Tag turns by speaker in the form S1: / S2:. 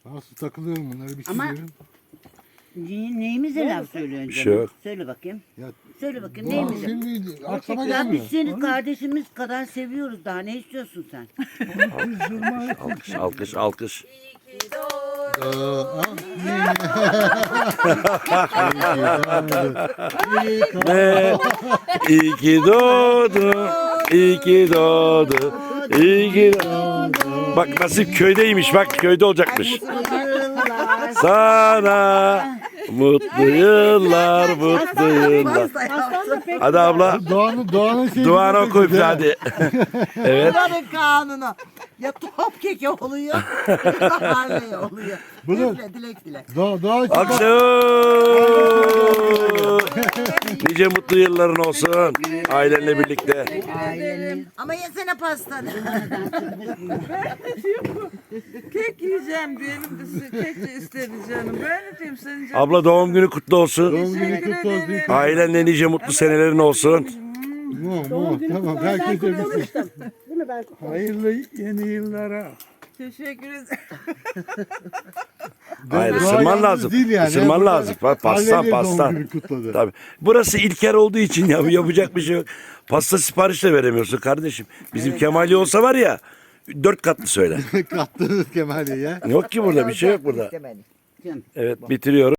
S1: Nasıl takılıyorum bunları bir şey
S2: Ama-
S1: diyorum.
S2: Neyimize laf söylüyorsun
S3: Bir şey
S2: canım?
S3: yok.
S2: Söyle bakayım.
S1: Ya,
S2: Söyle bakayım
S1: Doğan
S2: neyimize?
S1: şimdi aklıma
S2: Ya
S1: gelmiyor.
S2: biz seni kardeşimiz kadar seviyoruz daha ne istiyorsun sen?
S3: Alkış, alkış, alkış. Ne? İyi ki doğdu, iyi ki doğdu, iyi ki doğdu. Bak nasip köydeymiş, bak köyde olacakmış. Sana mutlu yıllar, mutlu yıllar. Hadi abla,
S1: Doğan'ın şeyi.
S3: duanı oku üfle hadi. Evet.
S4: Buranın kanunu. Ya top keki oluyor ya harley oluyor.
S1: Bunu-
S4: Üfle dilek dile.
S1: Doğa
S3: Alkış. Nice mutlu yılların olsun ailenle birlikte.
S4: Ama yesene pastanı.
S5: Kek yiyeceğim diyelim de kek de istedi canım. Ben ne diyeyim senin canım?
S3: Abla doğum günü kutlu olsun.
S1: Doğum günü
S5: Teşekkür
S1: kutlu olsun.
S5: ederim.
S3: Ailenle nice mutlu senelerin olsun.
S1: Tamam herkese bilsin.
S6: Hayırlı yeni yıllara.
S5: Teşekkür ederim.
S3: Hayır
S1: Doğa
S3: ısırman
S1: yalnız
S3: lazım.
S1: değil yani.
S3: Isırman
S1: Burada
S3: lazım. Pastan
S1: aileyle doğum
S3: pastan.
S1: günü kutladı.
S3: Tabii. Burası İlker olduğu için ya yapacak bir şey yok. Pasta sipariş de veremiyorsun kardeşim. Bizim Kemali olsa var ya 4 katlı söyle.
S1: Kattınız Kemal'i ya.
S3: Yok ki burada bir şey yok burada.
S4: İstemedi.
S3: Evet bitiriyorum.